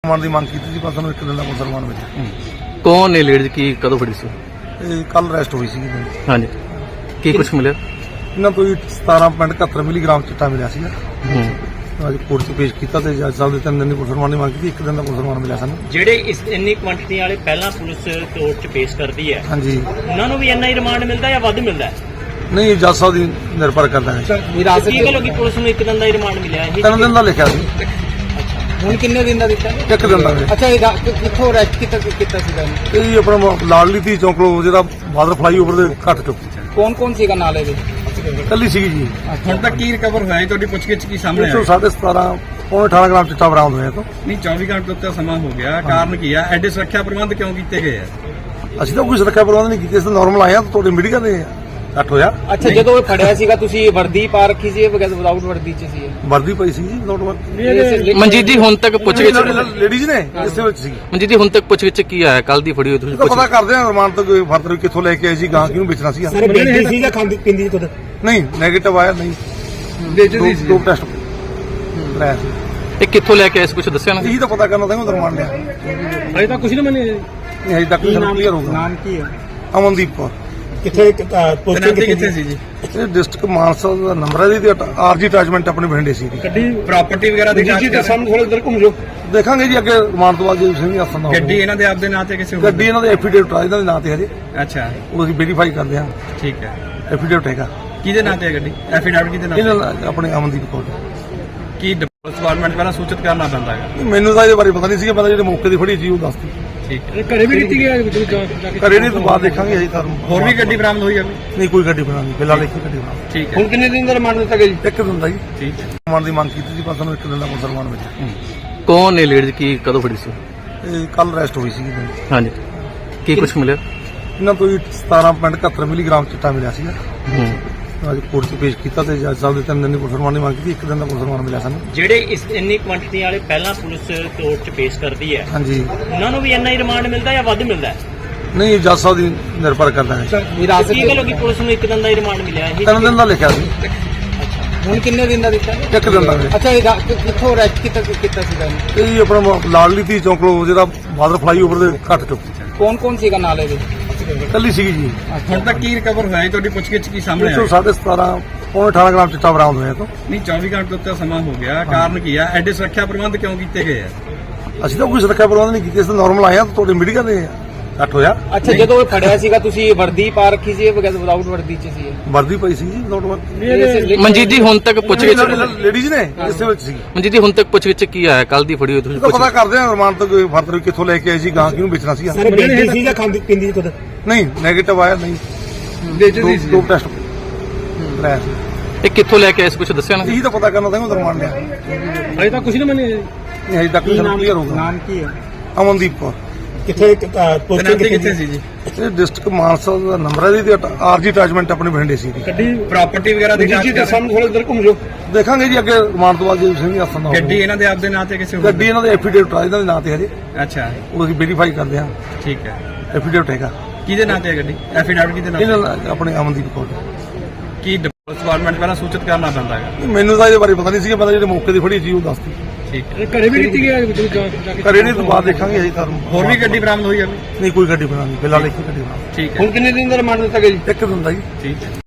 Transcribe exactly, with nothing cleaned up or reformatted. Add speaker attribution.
Speaker 1: ਮਾਨ ਦੀ ਮੰਗ ਕੀਤੀ ਸੀ ਪਰ ਸਾਨੂੰ ਇੱਕ ਦਿਨ ਦਾ ਮੁਸਲਮਾਨ ਮਿਲਿਆ।
Speaker 2: ਕੌਣ ਨੇ ਲੇਡੀਜ਼ ਕੀ ਕਦੋਂ ਫੜੀ ਸੀ?
Speaker 1: ਇਹ ਕੱਲ ਅਰੈਸਟ ਹੋਈ ਸੀ।
Speaker 2: ਹਾਂਜੀ, ਕੀ ਕੁਝ ਮਿਲਿਆ?
Speaker 1: ਇਹਨਾਂ ਤੋਂ ਸਤਾਰਾਂ ਪੁਆਇੰਟ ਇਕਹੱਤਰ ਮਿਲੀਗ੍ਰਾਮ ਚਿੱਟਾ ਮਿਲਿਆ ਸੀਗਾ।
Speaker 2: ਹੂੰ।
Speaker 1: ਅੱਜ ਕੋਰਟ 'ਚ ਪੇਸ਼ ਕੀਤਾ ਤੇ ਜੱਜ ਸਾਹਿਬ ਦੇ ਤਿੰਨ ਦਿਨ ਦੀ ਮੁਸਲਮਾਨ ਦੀ ਮੰਗ ਕੀਤੀ, ਇੱਕ ਦਿਨ ਦਾ ਮੁਸਲਮਾਨ ਮਿਲਿਆ ਸਾਨੂੰ।
Speaker 3: ਜਿਹੜੇ ਇਸ ਇੰਨੀ ਕੁਆਂਟੀਟੀ ਵਾਲੇ ਪਹਿਲਾਂ ਪੁਲਿਸ ਕੋਰਟ 'ਚ ਪੇਸ਼ ਕਰਦੀ ਹੈ,
Speaker 1: ਹਾਂਜੀ,
Speaker 3: ਉਹਨਾਂ ਨੂੰ ਵੀ ਇੰਨਾ ਹੀ ਰਿਮਾਂਡ ਮਿਲਦਾ ਜਾਂ ਵੱਧ ਮਿਲਦਾ ਹੈ?
Speaker 1: ਨਹੀਂ ਜੱਜ ਸਾਹਿਬ ਦੀ ਨਿਰਭਰ ਕਰਦਾ ਹੈ।
Speaker 3: ਕੀ ਗੱਲ ਹੋ ਗਈ ਪੁਲਿਸ ਨੂੰ ਇੱਕ ਦਿਨ ਦਾ ਹੀ ਰਿਮਾਂਡ ਮਿਲਿਆ ਇਹ?
Speaker 1: ਤਿੰਨ ਦਿਨ ਦਾ ਲਿਖਿਆ ਸੀ,
Speaker 4: ਹੁਣ ਕਿੰਨੇ ਦਿਨ ਦਾ ਦਿੱਤਾ?
Speaker 1: ਇੱਕ ਦਿਨ ਦਾ।
Speaker 4: ਅੱਛਾ, ਇਹ ਰਾ- ਕਿ- ਕਿੱਥੋਂ ਅਰੈਸਟ ਕੀਤਾ ਕੀਤਾ ਸੀਗਾ ਇਹਨੂੰ?
Speaker 1: ਇਹ ਆਪਣਾ ਲਾਡਲੀ ਧੀ ਚੌਂਕ ਲੋ ਜਿਹੜਾ ਬਾਦਰ ਫਲਾਈ ਓਵਰ ਦੇ ਘੱਟ ਚੁੱਕ
Speaker 4: ਕੌਣ ਕੌਣ ਸੀਗਾ ਨਾਲ ਇਹਦੇ?
Speaker 1: ਕੱਲੀ ਸੀਗੀ ਜੀ।
Speaker 5: ਹੁਣ ਤੱਕ ਕੀ ਰਿਕਵਰ ਹੋਇਆ ਹੈ? ਤੁਹਾਡੀ ਪੁੱਛਗਿੱਛ ਕੀ ਸਾਹਮਣੇ
Speaker 1: ਇੱਕ ਸੌ
Speaker 5: ਆਇਆ?
Speaker 1: ਸਾਢੇ ਸਤਾਰਾਂ ਪੌਣੇ ਅਠਾਰਾਂ ਗ੍ਰਾਮ ਚਿੱਟਾ ਬਰਾਮਦ ਹੋਇਆ ਤੋਂ।
Speaker 5: ਨਹੀਂ, ਚੌਵੀ ਘੰਟੇ ਤੋਂ ਸਮਾਂ ਹੋ ਗਿਆ, ਕਾਰਨ ਕੀ ਆ? ਐਡੇ ਸੁਰੱਖਿਆ ਪ੍ਰਬੰਧ ਕਿਉਂ ਕੀਤੇ ਗਏ ਆ?
Speaker 1: ਅਸੀਂ ਤਾਂ ਕੋਈ ਸੁਰੱਖਿਆ ਪ੍ਰਬੰਧ ਨਹੀਂ ਕੀਤੇ, ਅਸੀਂ ਤਾਂ ਨਾਰਮਲ ਆਏ ਆ। ਤੁਹਾਡੇ ਮੀਡੀਆ ਦੇ ਘੱਟ ਹੋਇਆ।
Speaker 4: ਅੱਛਾ, ਜਦੋਂ ਇਹ ਫੜਿਆ ਸੀਗਾ ਤੁਸੀਂ ਵਰਦੀ ਪਾ ਰੱਖੀ ਸੀ ਬਗੈਰ ਵਿਦਾਊਟ ਵਰਦੀ ਚ ਸੀ ਇਹ?
Speaker 1: ਵਰਦੀ ਪਈ ਸੀ ਜੀ, ਨੋਟ ਵਰਦੀ।
Speaker 2: ਮਨਜੀਤ ਜੀ ਹੁਣ ਤੱਕ ਪੁੱਛਗਿੱਛ
Speaker 1: ਲੇਡੀਜ਼ ਨੇ ਇਸੇ ਵਿੱਚ ਸੀ।
Speaker 2: ਮਨਜੀਤ ਜੀ ਹੁਣ ਤੱਕ ਪੁੱਛਗਿੱਛ ਕੀ ਆਇਆ? ਕੱਲ ਦੀ ਫੜੀ ਹੋਈ ਤੁਸੀਂ
Speaker 1: ਇਹ ਤਾਂ ਪਤਾ
Speaker 2: ਪੁੱਛ
Speaker 1: ਕਰਦੇ ਆ ਰਮਾਨ ਤੋਂ ਕੋਈ ਫਰਦਰ ਕਿੱਥੋਂ ਲੈ ਕੇ ਆਏ ਸੀ, ਗਾਂ ਕਿਹਨੂੰ ਵੇਚਣਾ ਸੀ।
Speaker 4: ਬੇਟੀ ਸੀ ਜਾਂ ਖਾਂਦੀ ਪਿੰਦੀ ਸੀ ਖੁਦ?
Speaker 1: ਨਹੀਂ ਨੈਗੇਟਿਵ ਆਇਆ, ਨਹੀਂ
Speaker 5: ਵੇਚਦੀ ਸੀ।
Speaker 1: ਦੋ ਟੈਸਟ ਕਰਾਇਆ ਸੀ।
Speaker 2: ਇਹ ਕਿੱਥੋਂ ਲੈ ਕੇ ਆਏ ਸੀ ਕੁਝ ਦੱਸਿਆ ਨਾ?
Speaker 1: ਇਹੀ ਤਾਂ ਪਤਾ ਕਰਨਾ ਤਾਂ ਰਮਾਨ ਲਿਆ।
Speaker 4: ਅਜੇ ਤਾਂ ਕੁਝ ਨਹੀਂ ਮੰਨੇ।
Speaker 1: ਨਹੀਂ ਹਜੇ ਤੱਕ ਕਲੀਅਰ ਹੋਊਗਾ।
Speaker 4: ਨਾਮ ਕੀ ਹੈ?
Speaker 1: ਅਮਨਦੀਪ ਕੌਰ।
Speaker 4: ਕਿੱਥੇ
Speaker 5: ਤਨਾਤੀ ਕਿੱਥੇ ਸੀ ਜੀ?
Speaker 1: ਇਹ ਡਿਸਟ੍ਰਿਕਟ ਮਾਨਸਾ ਦਾ ਨੰਬਰ ਹੈ ਜੀ, ਆਰਜੀ ਅਟੈਚਮੈਂਟ ਆਪਣੇ ਬਠਿੰਡੇ ਸੀ ਜੀ।
Speaker 4: ਗੱਡੀ
Speaker 5: ਪ੍ਰਾਪਰਟੀ ਵਗੈਰਾ ਦੀ ਜਾਂਚ ਕਰ
Speaker 4: ਸਾਹਮਣੇ ਥੋੜਾ ਇਧਰ ਘੁੰਮ ਜਾਓ।
Speaker 1: ਦੇਖਾਂਗੇ ਜੀ ਅੱਗੇ ਰਮਾਨ ਤੋਂ ਬਾਅਦ ਜੇ ਸਿੰਘ ਹੱਥਾਂ ਦਾ
Speaker 5: ਗੱਡੀ ਇਹਨਾਂ ਦੇ ਆਪਦੇ ਨਾਂ ਤੇ ਕਿਸੇ ਹੋਰ?
Speaker 1: ਗੱਡੀ ਇਹਨਾਂ ਦੇ ਐਫੀਡੇਵਿਟ ਆ, ਇਹਨਾਂ ਦੇ ਨਾਂ ਤੇ ਹਜੇ
Speaker 5: ਅੱਛਾ,
Speaker 1: ਉਹ ਅਸੀਂ ਵੈਰੀਫਾਈ ਕਰਦੇ ਹਾਂ।
Speaker 5: ਠੀਕ ਹੈ।
Speaker 1: ਐਫੀਡੇਵਿਟ ਹੈਗਾ
Speaker 5: ਕਿਹਦੇ ਨਾਂ ਤੇ ਹੈ ਗੱਡੀ? ਐਫੀਡੈਵਿਟ ਕਿਹਦੇ ਨਾਂ ਤੇ?
Speaker 1: ਇਹਨਾਂ ਦਾ ਆਪਣੇ ਅਮਨਦੀਪ ਕੌਰ।
Speaker 5: ਕੀ ਡਿਪਾਰਟਮੈਂਟ ਪਹਿਲਾਂ ਸੂਚਿਤ ਕਰਨਾ ਪੈਂਦਾ ਹੈ?
Speaker 1: ਮੈਨੂੰ ਤਾਂ ਇਹਦੇ ਬਾਰੇ ਪਤਾ ਨਹੀਂ ਸੀਗਾ, ਪਤਾ ਜਿਹੜੇ ਮੌਕੇ ਦੀ ਫੜੀ ਸੀ ਉਹ ਦੱਸਦੀ।
Speaker 5: ਠੀਕ ਹੈ।
Speaker 4: ਘਰੇ ਵੀ ਕੀਤੀ ਗਿਆ
Speaker 1: ਘਰੇ ਨਹੀਂ ਤੋਂ ਬਾਅਦ ਦੇਖਾਂਗੇ ਹਜੇ ਤਾਂ।
Speaker 5: ਹੋਰ ਵੀ ਗੱਡੀ ਬਰਾਮਦ ਹੋਈ ਹੈ?
Speaker 1: ਨਹੀਂ ਕੋਈ ਗੱਡੀ ਬਣਾਉਣੀ, ਫਿਲਹਾਲ ਇੱਕ ਹੀ ਗੱਡੀ ਬਣਾਉਣੀ।
Speaker 5: ਠੀਕ ਹੈ।
Speaker 4: ਹੁਣ ਕਿੰਨੇ ਦਿਨ ਦਾ ਰਿਮਾਂਡ ਦਿੱਤਾ ਗਿਆ ਜੀ?
Speaker 1: ਇੱਕ ਦਿਨ ਦਾ ਜੀ।
Speaker 5: ਠੀਕ ਹੈ।
Speaker 1: ਮੁਸਲਮਾਨ ਦੀ ਮੰਗ ਕੀਤੀ ਸੀ ਪਰ ਸਾਨੂੰ ਇੱਕ ਦਿਨ ਦਾ ਮੁਸਲਮਾਨ ਮਿਲਿਆ।
Speaker 2: ਕੌਣ ਨੇ ਲੇਡੀਜ਼ ਕੀ ਕਦੋਂ ਫੜੀ ਸੀ?
Speaker 1: ਇਹ ਕੱਲ ਅਰੈਸਟ ਹੋਈ ਸੀ।
Speaker 2: ਹਾਂਜੀ, ਕੀ ਕੁਝ ਮਿਲਿਆ?
Speaker 1: ਇਹਨਾਂ ਤੋਂ ਸਤਾਰਾਂ ਪੁਆਇੰਟ ਇਕਹੱਤਰ ਮਿਲੀਗ੍ਰਾਮ ਚਿੱਟਾ ਮਿਲਿਆ ਸੀਗਾ।
Speaker 2: ਹੂੰ।
Speaker 1: ਅੱਜ ਕੋਰਟ 'ਚ ਪੇਸ਼ ਕੀਤਾ ਤੇ ਜੱਜ ਸਾਹਿਬ ਦੇ ਤਿੰਨ ਦਿਨ ਦੀ ਮੁਸਲਮਾਨ ਦੀ ਮੰਗ ਕੀਤੀ, ਇੱਕ ਦਿਨ ਦਾ ਮੁਸਲਮਾਨ ਮਿਲਿਆ ਸਾਨੂੰ।
Speaker 3: ਜਿਹੜੇ ਇਸ ਇੰਨੀ ਕੁਆਂਟੀਟੀ ਵਾਲੇ ਪਹਿਲਾਂ ਪੁਲਿਸ ਕੋਰਟ 'ਚ ਪੇਸ਼ ਕਰਦੀ ਹੈ,
Speaker 1: ਹਾਂਜੀ,
Speaker 3: ਉਹਨਾਂ ਨੂੰ ਵੀ ਇੰਨਾ ਹੀ ਰਿਮਾਂਡ ਮਿਲਦਾ ਜਾਂ ਵੱਧ ਮਿਲਦਾ ਹੈ?
Speaker 1: ਨਹੀਂ ਜੱਜ ਸਾਹਿਬ ਦੀ ਨਿਰਭਰ ਕਰਦਾ ਹੈ।
Speaker 3: ਕੀ ਗੱਲ ਹੋ ਗਈ ਪੁਲਿਸ ਨੂੰ ਇੱਕ ਦਿਨ ਦਾ ਹੀ ਰਿਮਾਂਡ ਮਿਲਿਆ ਇਹ?
Speaker 1: ਤਿੰਨ ਦਿਨ ਦਾ ਲਿਖਿਆ ਸੀ,
Speaker 4: ਹੁਣ ਕਿੰਨੇ ਦਿਨ ਦਾ ਦਿੱਤਾ?
Speaker 1: ਇੱਕ ਦਿਨ ਦਾ।
Speaker 4: ਅੱਛਾ, ਇਹ ਰਾ- ਕਿ- ਕਿੱਥੋਂ ਅਰੈਸਟ ਕੀਤਾ ਕੀਤਾ ਸੀਗਾ ਇਹਨੂੰ?
Speaker 1: ਇਹ ਆਪਣਾ ਲਾਡਲੀ ਧੀ ਚੌਂਕ ਲੋ ਜਿਹੜਾ ਬਾਦਰ ਫਲਾਈ ਓਵਰ ਦੇ ਘੱਟ ਚੁੱਕ
Speaker 4: ਕੌਣ ਕੌਣ ਸੀਗਾ ਨਾਲ ਇਹਦੇ?
Speaker 1: ਕੱਲੀ ਸੀਗੀ ਜੀ।
Speaker 5: ਹੁਣ ਤੱਕ ਕੀ ਰਿਕਵਰ ਹੋਇਆ ਹੈ? ਤੁਹਾਡੀ ਪੁੱਛਗਿੱਛ ਕੀ ਸਾਹਮਣੇ
Speaker 1: ਇੱਕ ਸੌ
Speaker 5: ਆਇਆ?
Speaker 1: ਸਾਢੇ ਸਤਾਰਾਂ ਪੌਣੇ ਅਠਾਰਾਂ ਗ੍ਰਾਮ ਚਿੱਟਾ ਬਰਾਮਦ ਹੋਇਆ ਤੋਂ।
Speaker 5: ਨਹੀਂ, ਚੌਵੀ ਘੰਟੇ ਤੋਂ ਸਮਾਂ ਹੋ ਗਿਆ, ਕਾਰਨ ਕੀ ਆ? ਐਡੇ ਸੁਰੱਖਿਆ ਪ੍ਰਬੰਧ ਕਿਉਂ ਕੀਤੇ ਗਏ ਆ?
Speaker 1: ਅਸੀਂ ਤਾਂ ਕੋਈ ਸੁਰੱਖਿਆ ਪ੍ਰਬੰਧ ਨਹੀਂ ਕੀਤੇ, ਅਸੀਂ ਤਾਂ ਨਾਰਮਲ ਆਏ ਆ। ਤੁਹਾਡੇ ਮੀਡੀਆ ਦੇ ਘੱਟ ਹੋਇਆ।
Speaker 4: ਅੱਛਾ, ਜਦੋਂ ਇਹ ਫੜਿਆ ਸੀਗਾ ਤੁਸੀਂ ਵਰਦੀ ਪਾ ਰੱਖੀ ਸੀ ਬਗੈਰ ਵਿਦਾਊਟ ਵਰਦੀ ਚ ਸੀ ਇਹ?
Speaker 1: ਵਰਦੀ ਪਈ ਸੀ ਜੀ, ਨੋਟ ਵਰਦੀ।
Speaker 2: ਮਨਜੀਤ ਜੀ ਹੁਣ ਤੱਕ ਪੁੱਛਗਿੱਛ
Speaker 1: ਲੇਡੀਜ਼ ਨੇ ਇਸੇ ਵਿੱਚ ਸੀ।
Speaker 2: ਮਨਜੀਤ ਜੀ ਹੁਣ ਤੱਕ ਪੁੱਛਗਿੱਛ ਕੀ ਆਇਆ? ਕੱਲ ਦੀ ਫੜੀ ਹੋਈ ਤੁਸੀਂ
Speaker 1: ਇਹ ਤਾਂ
Speaker 2: ਪੁੱਛ
Speaker 1: ਪਤਾ ਕਰਦੇ ਆ ਰਮਾਨ ਤੋਂ ਕੋਈ ਫਰਦਰ ਕਿੱਥੋਂ ਲੈ ਕੇ ਆਏ ਸੀ, ਗਾਂ ਕਿਹਨੂੰ ਵੇਚਣਾ ਸੀ।
Speaker 4: ਬੇਟੀ ਸੀ ਜਾਂ ਖਾਂਦੀ ਪਿੰਦੀ ਸੀ ਖੁਦ?
Speaker 1: ਨਹੀਂ ਨੈਗੇਟਿਵ ਆਇਆ, ਨਹੀਂ
Speaker 5: ਵੇਚਦੀ ਸੀ।
Speaker 1: ਦੋ ਟੈਸਟ ਕਰਾਇਆ ਸੀ।
Speaker 2: ਇਹ ਕਿੱਥੋਂ ਲੈ ਕੇ ਆਏ ਸੀ ਕੁਝ ਦੱਸਿਆ ਨਾ?
Speaker 1: ਇਹੀ ਤਾਂ ਪਤਾ ਕਰਨਾ ਤਾਂ ਰਮਾਨ ਲਿਆ।
Speaker 4: ਅਜੇ ਤਾਂ ਕੁਝ ਨਹੀਂ ਮੰਨੇ।
Speaker 1: ਨਹੀਂ ਹਜੇ ਤੱਕ ਕਲੀਅਰ ਹੋਊਗਾ।
Speaker 4: ਨਾਮ ਕੀ ਹੈ?
Speaker 1: ਅਮਨਦੀਪ ਕੌਰ।
Speaker 4: ਕਿੱਥੇ
Speaker 5: ਤਨਾਤੀ ਕਿੱਥੇ ਸੀ ਜੀ?
Speaker 1: ਇਹ ਡਿਸਟ੍ਰਿਕਟ ਮਾਨਸਾ ਦਾ ਨੰਬਰ ਹੈ ਜੀ, ਆਰਜੀ ਅਟੈਚਮੈਂਟ ਆਪਣੇ ਬਠਿੰਡੇ ਸੀ ਜੀ।
Speaker 4: ਗੱਡੀ
Speaker 5: ਪ੍ਰਾਪਰਟੀ ਵਗੈਰਾ ਦੀ ਜਾਂਚ ਕਰ
Speaker 4: ਸਾਹਮਣੇ ਥੋੜਾ ਇਧਰ ਘੁੰਮ ਜਾਓ।
Speaker 1: ਦੇਖਾਂਗੇ ਜੀ ਅੱਗੇ ਰਮਾਨ ਤੋਂ ਬਾਅਦ ਜੇ ਸਿੰਘ ਹੱਥਾਂ ਦਾ
Speaker 5: ਗੱਡੀ ਇਹਨਾਂ ਦੇ ਆਪਦੇ ਨਾਂ ਤੇ ਕਿਸੇ ਹੋਰ?
Speaker 1: ਗੱਡੀ ਇਹਨਾਂ ਦੇ ਐਫੀਡੇਵਿਟ ਆ, ਇਹਨਾਂ ਦੇ ਨਾਂ ਤੇ ਹਜੇ
Speaker 5: ਅੱਛਾ,
Speaker 1: ਉਹ ਅਸੀਂ ਵੈਰੀਫਾਈ ਕਰਦੇ ਹਾਂ।
Speaker 5: ਠੀਕ ਹੈ।
Speaker 1: ਐਫੀਡੇਵਿਟ ਹੈਗਾ
Speaker 5: ਕਿਹਦੇ ਨਾਂ ਤੇ ਹੈ ਗੱਡੀ? ਐਫੀਡੈਵਿਟ ਕਿਹਦੇ ਨਾਂ ਤੇ?
Speaker 1: ਇਹਨਾਂ ਦਾ ਆਪਣੇ ਅਮਨਦੀਪ ਕੌਰ।
Speaker 5: ਕੀ ਡਿਪਾਰਟਮੈਂਟ ਪਹਿਲਾਂ ਸੂਚਿਤ ਕਰਨਾ ਪੈਂਦਾ ਹੈ?
Speaker 1: ਮੈਨੂੰ ਤਾਂ ਇਹਦੇ ਬਾਰੇ ਪਤਾ ਨਹੀਂ ਸੀਗਾ, ਪਤਾ ਜਿਹੜੇ ਮੌਕੇ ਦੀ ਫੜੀ ਸੀ ਉਹ ਦੱਸਦੀ।
Speaker 5: ਠੀਕ ਹੈ।
Speaker 4: ਘਰੇ ਵੀ ਕੀਤੀ ਗਿਆ?
Speaker 1: ਘਰੇ ਨਹੀਂ ਤੋਂ ਬਾਅਦ ਦੇਖਾਂਗੇ ਹਜੇ ਤਾਂ।
Speaker 5: ਹੋਰ ਵੀ ਗੱਡੀ ਬਰਾਮਦ ਹੋਈ ਹੈ?
Speaker 1: ਨਹੀਂ ਕੋਈ ਗੱਡੀ ਬਣਾਉਣੀ, ਫਿਲਹਾਲ ਇੱਕ ਹੀ ਗੱਡੀ ਬਣਾਉਣੀ।
Speaker 5: ਠੀਕ ਹੈ।
Speaker 4: ਹੁਣ ਕਿੰਨੇ ਦਿਨ ਦਾ ਰਿਮਾਂਡ ਦਿੱਤਾ ਗਿਆ ਜੀ?
Speaker 1: ਇੱਕ ਦਿਨ ਦਾ ਜੀ।
Speaker 5: ਠੀਕ ਹੈ।